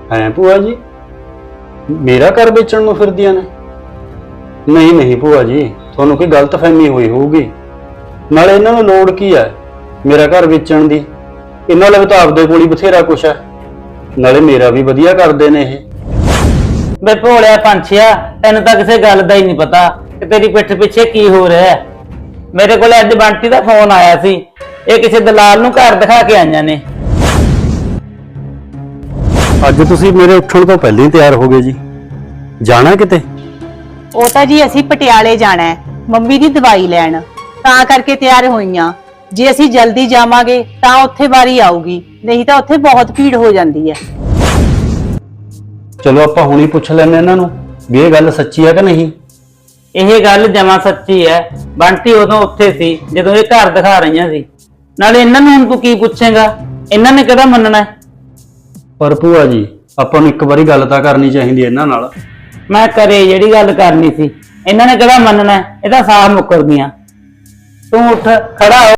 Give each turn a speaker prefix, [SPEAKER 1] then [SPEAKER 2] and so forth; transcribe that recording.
[SPEAKER 1] ਹੈ ਭੂਆ ਜੀ ਮੇਰਾ ਘਰ ਵੇਚਣ ਨੂੰ ਫਿਰਦੀਆਂ ਨੇ? ਨਹੀਂ ਨਹੀਂ ਭੂਆ ਜੀ, ਤੁਹਾਨੂੰ ਕੋਈ ਗਲਤਫਹਿਮੀ ਹੋਈ ਹੋਊਗੀ। ਨਾਲੇ ਇਹਨਾਂ ਨੂੰ ਲੋੜ ਕੀ ਹੈ ਮੇਰਾ ਘਰ ਵੇਚਣ ਦੀ? ਇਹਨਾਂ ਲਈ ਤਾਂ ਆਪਦੇ ਕੋਲ ਹੀ ਬਥੇਰਾ ਕੁਛ ਹੈ। ਨਾਲੇ ਮੇਰਾ ਵੀ ਵਧੀਆ ਕਰਦੇ ਨੇ ਇਹ।
[SPEAKER 2] ਬੇ ਭੋਲਿਆ ਪੰਛੀਆ, ਤੈਨੂੰ ਤਾਂ ਕਿਸੇ ਗੱਲ ਦਾ ਹੀ ਨਹੀਂ ਪਤਾ ਕਿ ਤੇਰੀ ਪਿੱਠ ਪਿੱਛੇ ਕੀ ਹੋ ਰਿਹਾ ਹੈ। ਮੇਰੇ ਕੋਲ ਅੱਜ ਬੰਟੀ ਦਾ ਫੋਨ ਆਇਆ ਸੀ, ਇਹ ਕਿਸੇ ਦਲਾਲ ਨੂੰ ਘਰ ਦਿਖਾ ਕੇ ਆਈਆਂ ਨੇ।
[SPEAKER 1] ਅੱਜ ਤੁਸੀਂ ਮੇਰੇ ਉੱਠਣ ਤੋਂ ਪਹਿਲਾਂ ਹੀ ਤਿਆਰ ਹੋ ਗਏ ਜੀ, ਜਾਣਾ ਕਿਤੇ?
[SPEAKER 3] ਉਹ ਤਾਂ ਜੀ ਅਸੀਂ ਪਟਿਆਲੇ ਜਾਣਾ ਹੈ ਮੰਮੀ ਦੀ ਦਵਾਈ ਲੈਣ, ਤਾਂ ਕਰਕੇ ਤਿਆਰ ਹੋਈਆਂ। ਜੇ ਅਸੀਂ ਜਲਦੀ ਜਾਵਾਂਗੇ ਤਾਂ ਉੱਥੇ ਵਾਰੀ ਆਊਗੀ, ਨਹੀਂ ਤਾਂ ਉੱਥੇ ਬਹੁਤ ਭੀੜ ਹੋ ਜਾਂਦੀ ਹੈ।
[SPEAKER 1] ਚਲੋ ਆਪਾਂ ਹੁਣੀ ਪੁੱਛ ਲੈਂਦੇ ਇਹਨਾਂ ਨੂੰ ਵੀ ਇਹ ਗੱਲ ਸੱਚੀ ਹੈ ਕਿ ਨਹੀਂ।
[SPEAKER 2] ਇਹ ਗੱਲ ਜਮਾਂ ਸੱਚੀ ਹੈ। ਬੰਟੀ ਉਦੋਂ ਉੱਥੇ ਸੀ ਜਦੋਂ ਇਹ ਘਰ ਦਿਖਾ ਰਹੀਆਂ ਸੀ। ਨਾਲੇ ਇਹਨਾਂ ਨੂੰ ਹੁਣ ਤੂੰ ਕੀ ਪੁੱਛੇਗਾ? ਇਹਨਾਂ ਨੇ ਕਿਹੜਾ ਮੰਨਣਾ?
[SPEAKER 1] ਪਰ ਭੂਆ ਜੀ ਆਪਾਂ ਨੂੰ ਇੱਕ ਵਾਰੀ ਗੱਲ ਤਾਂ ਕਰਨੀ ਚਾਹੀਦੀ ਇਹਨਾਂ ਨਾਲ।
[SPEAKER 2] ਮੈਂ ਕਰੇ ਜਿਹੜੀ ਗੱਲ ਕਰਨੀ ਸੀ, ਇਹਨਾਂ ਨੇ ਕਿਹੜਾ ਮੰਨਣਾ? ਇਹ ਤਾਂ ਸਾਫ਼ ਮੁੱਕਰ ਗਈਆਂ। ਤੂੰ ਉੱਠ ਖੜਾ ਹੋ।